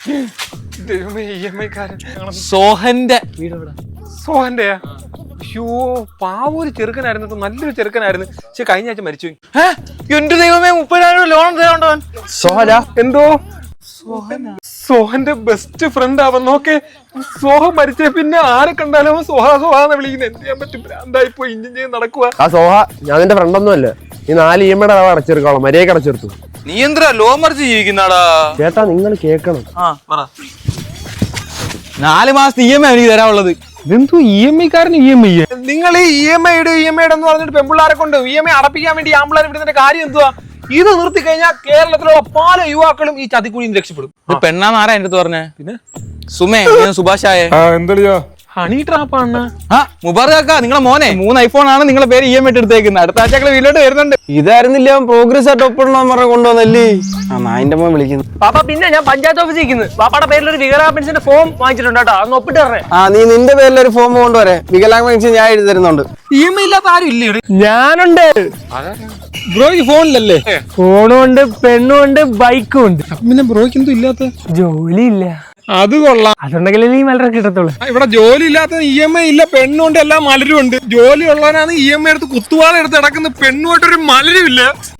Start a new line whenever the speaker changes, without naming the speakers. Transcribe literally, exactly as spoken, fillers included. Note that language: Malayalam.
ദൈവമേ ഇ എം ഐക്കാരൻ
സോഹന്റെ വീട് എവിടെ?
സോഹന്റെയാ? അയ്യോ പാവൊരു ചെറുക്കനായിരുന്നു, നല്ലൊരു ചെറുക്കനായിരുന്നു. പക്ഷെ കഴിഞ്ഞ ആഴ്ച മരിച്ചു.
എന്റെ ദൈവമേ, മുപ്പതിനായിരം ലോൺ തരാണ്ടവൻ.
സോഹല
എന്തോ സോഹന്റെ ബെസ്റ്റ് ഫ്രണ്ട് അവൻ. നോക്കെ സോഹ മരിച്ച പിന്നെ ആരെ കണ്ടാലും അവൻ സോഹ സോഹാന്ന് വിളിക്കുന്നത്. എന്ത് ചെയ്യാൻ പറ്റും? ഭ്രാന്തായി പോയി ഇഞ്ചിൻ ചെയ്ത് നടക്കുക.
ആ സോഹ ഞാൻ നിന്റെ ഫ്രണ്ടൊന്നും അല്ലേ. ഈ നാല് ഇ എം ഐയുടെ അളവ് അടച്ചെടുക്കണം, മര്യാദ അടച്ചെടുത്തു.
നീ എന്താ ലോ മറിച്ച് ജീവിക്കുന്നാടാ?
ചേട്ടാ നിങ്ങൾ കേക്കണം.
ആ പറ. നാല് മാസത്തെ ഇ എം ഐ എനിക്ക് തരാനുള്ളത്.
ഇതെന്തോ ഇ എം ഐക്കാരന് ഇ എം ഐ? നിങ്ങൾ ഈ ഇ എം ഐ ഇട് ഇ എം ഐ എന്ന് പറഞ്ഞിട്ട് പെമ്പിള്ളാരെ കൊണ്ട് ഇ എം ഐ അടപ്പിക്കാൻ വേണ്ടി ആമ്പിള്ളാരെ വിടുന്നതിന്റെ കാര്യം എന്തുവാ? ഇത് നിർത്തി കഴിഞ്ഞാൽ കേരളത്തിലുള്ള പല യുവാക്കളും ഈ ചതിക്കുഴിയിൽ രക്ഷപ്പെടും.
പെണ്ണാന്ന് ആരാ എന്റെ അടുത്ത് പറഞ്ഞേ?
പിന്നെ
സുമേ, സുഭാഷായേ
എന്താ ഹണി ട്രാപ്പാണ്.
ആ മുബാറക്കാ, നിങ്ങളെ മോനെ മൂന്ന് ഐഫോൺ ആണ് നിങ്ങളെ പേര് ഇ എം ഐ എടുത്തേക്കുന്നത്. അടുത്ത ആഴ്ച വീട്ടിലോട്ട് വരുന്നുണ്ട്.
ഇതായിരുന്നില്ല പ്രോഗ്രസ് ആയിട്ട് ഒപ്പിടണം പറഞ്ഞ കൊണ്ടുവന്നല്ലേ. ആ നായിന്റെ മോൻ വിളിക്കുന്നു.
പാപ്പ പിന്നെ ഞാൻ പഞ്ചായത്ത് ഓഫീസിൽ ഇരിക്കുന്നു. പാപ്പയുടെ പേരിൽ ഒരു വികലാംഗ പെൻഷന്റെ ഫോം വാങ്ങിച്ചിട്ടുണ്ട് കേട്ടോ, അന്ന് ഒപ്പിട്ട് തരണേ.
ആ നീ നിന്റെ പേരിൽ ഒരു ഫോം കൊണ്ടുവരെ. വികലാംഗ പെൻഷൻ ഞാൻ എഴുതി തരുന്നുണ്ട്.
ഇ എം ഐ ഇല്ലാത്ത ആരും ഇല്ലേ?
ഞാനുണ്ട്
ബ്രോ ഈ ഫോണിലല്ലേ?
ഫോണും ഉണ്ട്, പെണ്ണും ഉണ്ട്, ബൈക്കും ഉണ്ട്.
പിന്നെ ബ്രോയ്ക്ക് എന്തോ ഇല്ലാത്ത?
ജോലി ഇല്ല.
അത് കൊള്ളാം.
അതുണ്ടെങ്കിലേ നീ മലരെ കിട്ടത്തുള്ളൂ.
ഇവിടെ ജോലി ഇല്ലാത്ത ഇ എം ഐ ഇല്ല, പെണ്ണുണ്ട്, എല്ലാം മലരും ഉണ്ട്. ജോലി ഉള്ളവനാണ് ഇ എം ഐ എടുത്ത് കുത്തുവാള എടുത്ത് നടക്കുന്ന. പെണ്ണുമായിട്ടൊരു മലരും ഇല്ല.